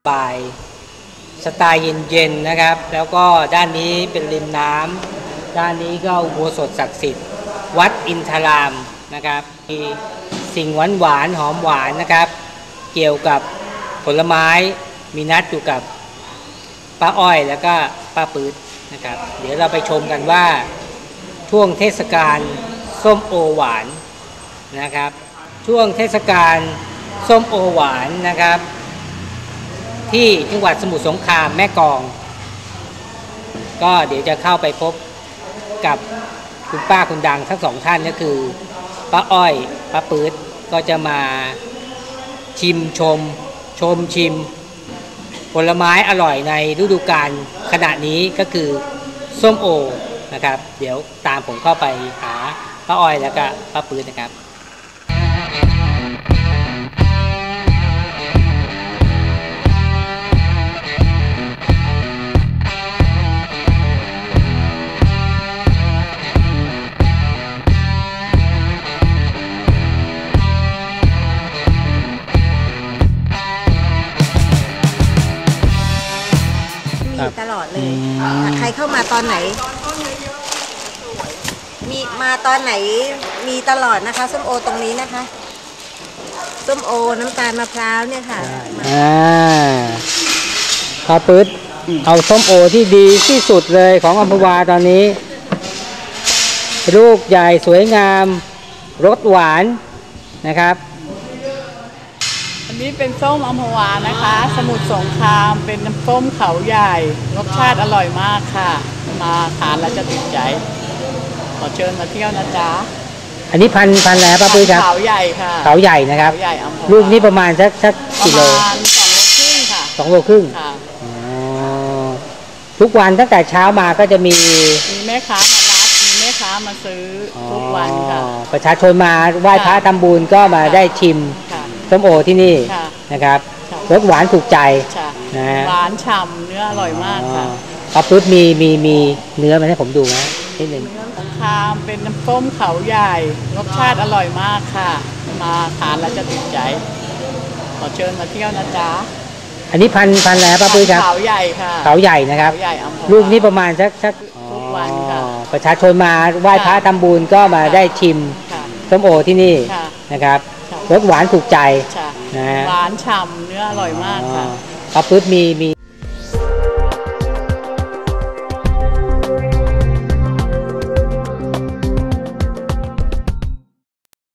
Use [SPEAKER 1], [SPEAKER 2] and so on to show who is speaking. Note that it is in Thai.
[SPEAKER 1] บายสไตล์เย็นๆนะครับแล้วก็ด้านนี้เป็นริมน้ำด้านนี้ก็อุโบสถศักดิ์สิทธิ์วัดอินทรามนะครับมีสิ่งหวานหอมหวานนะครับเกี่ยวกับผลไม้มีนัดอยู่กับป้าอ้อยแล้วก็ป้าปื๊ดนะครับเดี๋ยวเราไปชมกันว่าช่วงเทศกาลส้มโอหวานนะครับช่วงเทศกาลส้มโอหวานนะครับที่จังหวัดสมุทรสงครามแม่กลองก็เดี๋ยวจะเข้าไปพบกับคุณป้าคุณดังทั้งสองท่านก็คือป้าอ้อยป้าปื๊ดก็จะมาชิมผลไม้อร่อยในฤดูกาลขณะนี้ก็คือส้มโอนะครับเดี๋ยวตามผมเข้าไปหาป้าอ้อยแล้วก็ป้าปื๊ดนะครับ
[SPEAKER 2] ตลอดเลยใครเข้ามาตอนไหนมีมาตอนไหนมีตลอดนะคะส้มโอตรงนี้นะคะส้มโอน้ำตาลมะพร้าวเนี่ยค่ะ
[SPEAKER 1] ป้าปื๊ดเอาส้มโอที่ดีที่สุดเลยของอัมพวาตอนนี้ลูกใหญ่สวยงามรสหวานนะครับ
[SPEAKER 3] อันนี้เป็นส้มอัมพวานะคะสมุทรสงครามเป็นน้ำส้มเขาใหญ่รสชาติอร่อยมากค่ะมาทานแล้วจะติดใจขอเชิญมาเที่ยวนะจ๊ะ
[SPEAKER 1] อันนี้พันแล้วป้าปื๊ดครับ
[SPEAKER 3] เขาใหญ่ค่ะ
[SPEAKER 1] เขาใหญ่นะครับ
[SPEAKER 3] เขาใหญ่อัมพวา
[SPEAKER 1] ลูกนี้ประมาณสักกิโล
[SPEAKER 3] ประมาณ2 โลครึ่งค่ะ
[SPEAKER 1] 2 โลครึ่ง
[SPEAKER 3] ค่ะ
[SPEAKER 1] ทุกวันตั้งแต่เช้ามาก็จะมี
[SPEAKER 3] แม่ค้ามารับมีแม่ค้ามาซื้อทุกวันค่ะ
[SPEAKER 1] ประชาชนมาไหว้พระทำบุญก็มาได้ชิมส้มโอที่นี่นะครับรสหวานถูกใจ
[SPEAKER 3] นะหวานฉ่ำเนื้ออร่อยมากค่ะ
[SPEAKER 1] ป้าปื๊ดมีเนื้อมาให้ผมดูนะนิดนึง
[SPEAKER 3] สงครามเป็นน้ำส้มเขาใหญ่รสชาติอร่อยมากค่ะมาทานแล้วจะติดใจขอเชิญมาเที่ยวนะจ๊ะ
[SPEAKER 1] อันนี้พันแล้วป้าปื๊ดครับ
[SPEAKER 3] เขาใหญ่ค่ะ
[SPEAKER 1] เขาใหญ่นะครับลูกนี้ประมาณสัก
[SPEAKER 3] ทุกวันค่ะ
[SPEAKER 1] ประชาชนมาไหว้พระทำบุญก็มาได้ชิมส้มโอที่นี่นะครับรสหวานถูกใจ
[SPEAKER 3] นะหวานฉ่ำเนื้ออร่อยมากค่ะ
[SPEAKER 1] ป้าปื๊ดมี